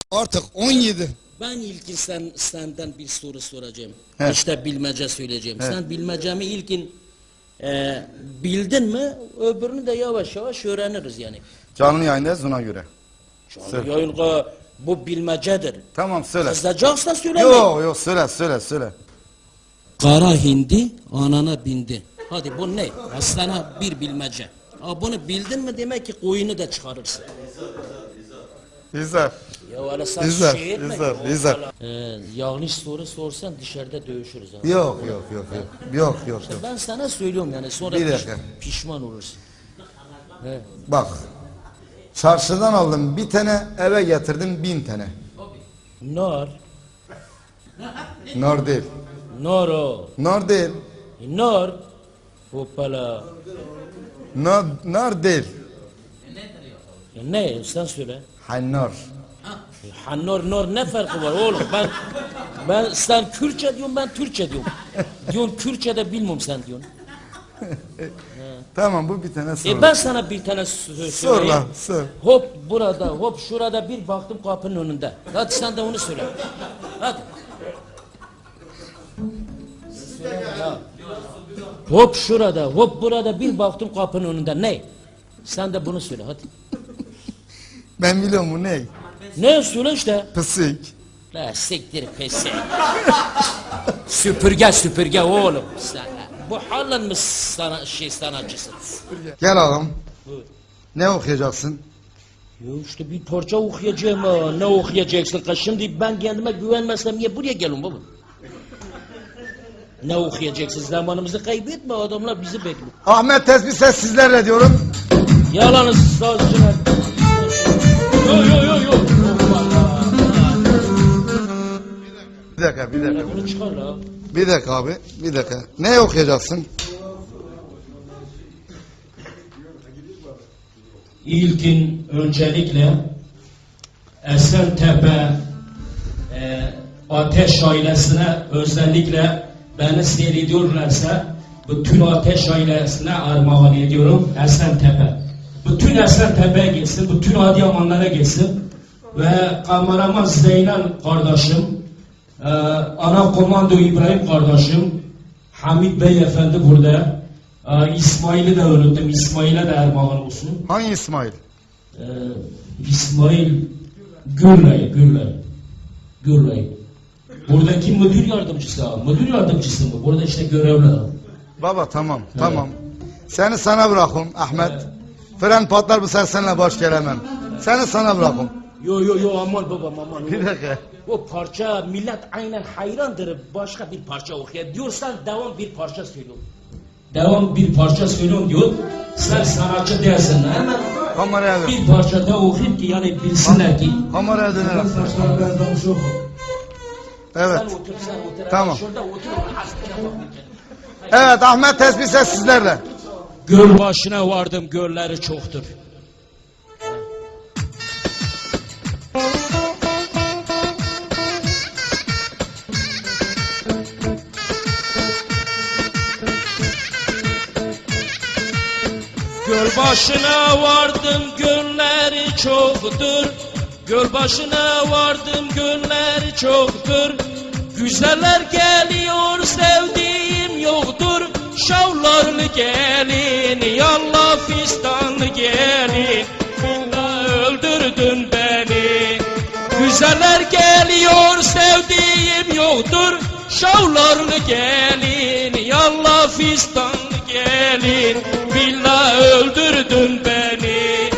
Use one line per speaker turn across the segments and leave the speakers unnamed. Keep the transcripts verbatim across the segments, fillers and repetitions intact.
Artık on yedi.
Ben ilkin sen, senden bir soru soracağım.
He.
İşte bilmece söyleyeceğim.
He.
Sen bilmecemi ilkin e, bildin mi? Öbürünü de yavaş yavaş öğreniriz yani.
Canlı yayındayız ona göre.
Canlı yayın bu bilmecedir.
Tamam söyle.
Kızacaksan söyleme.
Yok yok söyle söyle söyle.
Kara hindi anana bindi. Hadi bu ne? Aslana bir bilmece. Aa, bunu bildin mi demek ki koyunu da çıkarırsın.
İzler.
Ya öyle sen
İzler,
şey etme.
izler,
ki,
izler.
Ee, yanlış soru sorsan dışarıda dövüşürüz. Ha.
Yok yok yok yok. Yok yok yok.
Ben sana söylüyorum yani sonra
Bir
piş-
dakika.
pişman olursun. He.
Bak. Çarşıdan aldım bir tane, eve getirdim bin tane.
Nar.
Nar değil.
Nar o.
Nar değil.
Nar. Hoppala.
Nar, nar değil.
Ya ne? Sen söyle.
Hannar.
Ha, nar nar ne farkı var oğlum? Ben ben sen Kürtçe diyorum, ben Türkçe diyorum. Diyorsun Kürtçe'de bilmiyorum sen diyorsun.
Tamam bu bir tane soru.
E ben sana bir tane sö-
Sor
söyleyeyim.
lan sor.
Hop burada, hop şurada bir baktım kapının önünde. Hadi sen de onu söyle. Hadi. Ya. Hop şurada, hop burada bir baktım kapının önünde. Ne? Sen de bunu söyle hadi.
Ben biliyorum bu ne?
Ne söyle işte.
Pısık.
La siktir pesi. Süpürge süpürge oğlum. Sen, bu halin mi sana, şey sanatçısın?
Gel ağam.
Buyur.
Ne okuyacaksın?
Ya işte bir parça okuyacağım ha. Ne okuyacaksın ka? Şimdi ben kendime güvenmezsem niye buraya gelin baba? Ne okuyacaksın? Zamanımızı kaybetme, adamlar bizi bekliyor.
Ahmet Tesbih ses sizlerle diyorum.
Yalanız sazcılar. Yo yo yo yo.
Bir dakika bir dakika.
Telefonu çıkar la.
Bir dakika abi. Bir dakika. Ne okuyacaksın?
İlkin öncelikle Esentepe e, Ateş ailesine, özellikle beni seyrediyorlarsa bütün Ateş ailesine armağan ediyorum. Esentepe. Bütün Esentepe'ye gitsin, bütün Adıyamanlara gitsin ve kameraman Zeynel kardeşim, e, ana komando İbrahim kardeşim, Hamit Bey efendi burada. e, İsmail'i de unuttum. İsmail'e de armağan olsun.
Hangi İsmail?
Ee, İsmail Gürlay, Gürlay, Gürlay. Buradaki müdür yardımcısı ha, müdür yardımcısı mı? Burada işte görevli ha.
Baba tamam tamam. Seni sana bırakım Ahmet. Fren patlar bu sefer seninle baş gelemem. Seni sana bırakım.
Yo yo yo aman babam aman.
Bir dakika.
O parça millet aynen hayrandır. Başka bir parça okuyor. Diyorsan devam bir parça söylüyorum. Devam bir parça söylüyorum diyor. Sen sanatçı değilsin. Hemen
Kameraya dön.
bir parça daha okuyayım ki yani bilsinler ki.
Kameraya dönelim.
Saçlar benden çok.
Evet.
Sen otur sen otur.
Tamam.
Şurada otur.
Evet Ahmet Tesbih ses sizlerle.
Göl başına vardım, gölleri çoktur. Göl başına vardım, gölleri çoktur. Göl başına vardım, gölleri çoktur. Güzeller geliyor, sevdiğim yoktur. Şavlarlı gelin, yallah fistanlı gelin. Bunda öldürdün beni. Güzeller geliyor, sevdiğim yoktur. Şavlarlı gelin, yallah fistanlı gelin. Billah öldürdün beni.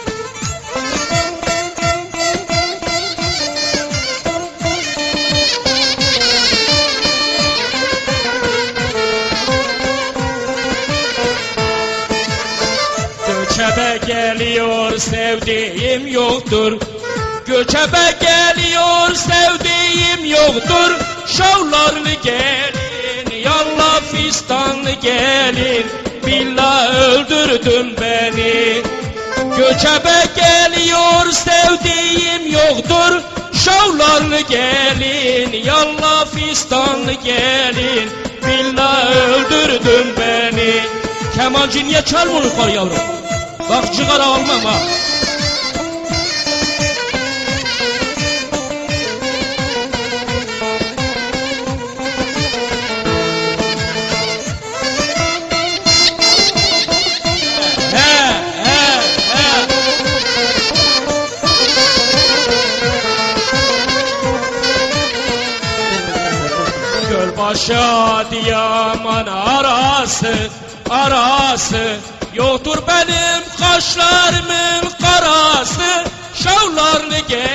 Göçebe geliyor, sevdiğim yoktur. Göçebe geliyor, sevdiğim yoktur. Şavlarlı gelin, yallah fistanlı gelin. Billah öldürdün beni. Göçebe geliyor, sevdiğim yoktur. Şavlarlı gelin, yallah fistanlı gelin. Billah öldürdün beni. Kemancı niye çalmıyor kar yavrum? Bak cigara almam ha. başı Adıyaman arası, arası. Yoktur benim kaşlarımın karası, şavlarını